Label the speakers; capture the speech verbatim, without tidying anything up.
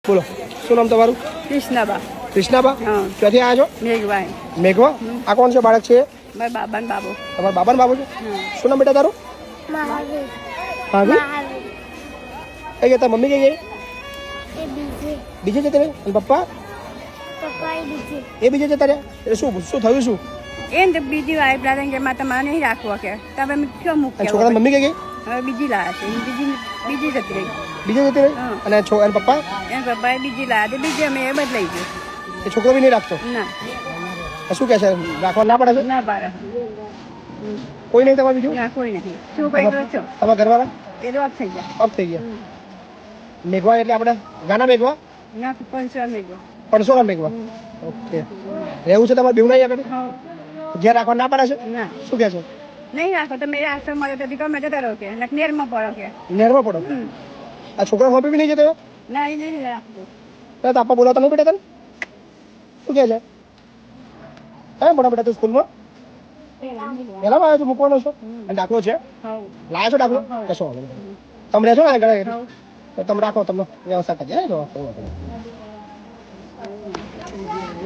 Speaker 1: બોલો શું નામ તમારું?
Speaker 2: કૃષ્ણબા.
Speaker 1: કૃષ્ણાબા,
Speaker 2: હા.
Speaker 1: ક્યાંથી આવ્યા છો?
Speaker 2: મેઘભાઈ.
Speaker 1: મેઘવા, આ કોણ છે બાળક છે?
Speaker 2: મારા બાબા ને બાબુ.
Speaker 1: તમારા બાબા ને બાબુ છે?
Speaker 2: હા.
Speaker 1: શું નામ બેટા તારું?
Speaker 3: મહાવીર.
Speaker 1: ભાભી
Speaker 3: મહાવીર.
Speaker 1: કઈ ગયા? તારી મમ્મી કઈ ગઈ?
Speaker 3: એ બીજે.
Speaker 1: બીજે જતા રહ્યા? અને પપ્પા
Speaker 3: પપ્પા એ બીજે.
Speaker 1: એ બીજે જતા રહ્યા? એટલે શું શું થયું શું?
Speaker 2: એ ને બીજી વાઈફ લાગે કે મારે તમારે નહીં રાખવો કે તમે ક્યાં
Speaker 1: અને
Speaker 2: મૂક્યા
Speaker 1: છોકરાની મમ્મી કઈ ગઈ?
Speaker 2: હવે બીજી લાયા છે બીજી બીજી જતી રહી.
Speaker 1: બીજે જતી રહી?
Speaker 2: હા.
Speaker 1: અને છો અને પપ્પા
Speaker 2: એના પપ્પાએ બીજી લાયા તે બીજી અમે એ બદલાઈ ગયું.
Speaker 1: એ છોકરો બી નહીં રાખતો?
Speaker 2: ના
Speaker 1: આ શું કહે છે? રાખવા ના પડે છે?
Speaker 2: ના પાડે.
Speaker 1: કોઈ નહીં તમારે બીજું?
Speaker 2: ના કોઈ નહીં. શું કઈ કરો છો?
Speaker 1: તમારા ઘરવાળા
Speaker 2: એ તો અપ થઈ ગયા.
Speaker 1: અપ થઈ ગયા? મેઘવા એટલે આપણે ગાના મેઘવા?
Speaker 2: ના પંચવા મેં ગયો.
Speaker 1: પરસોના મેઘવા? ઓકે. રહેવું છે તમારે બેવું નહીં આગળ?
Speaker 2: હા.
Speaker 1: ઘેર રાખવા ના પડે છે?
Speaker 2: ના
Speaker 1: શું કહે છે?
Speaker 2: નહીં રાખો તમે આશ્રમ મળે તો ગમે જતા રહો કે નેરમાં પડો કે.
Speaker 1: નેરમાં પડો? આ છોકરા હોપી બી નહીં જતો?
Speaker 2: ના એ નહીં રાખવું.
Speaker 1: તો તાપા બોલાવતા નહીં બેટા તને? શું કહે છે? હે મોટા બેટા તું સ્કૂલમાં પહેલામાં આવ્યો છું મૂકવાનો છો? અને દાખલો છે?
Speaker 2: હા.
Speaker 1: લાયા છો દાખલો? કશો વાંધો નહીં. તમે રહેશો ને આગળ તો તમે રાખો તમને વ્યવસ્થા કરી દે.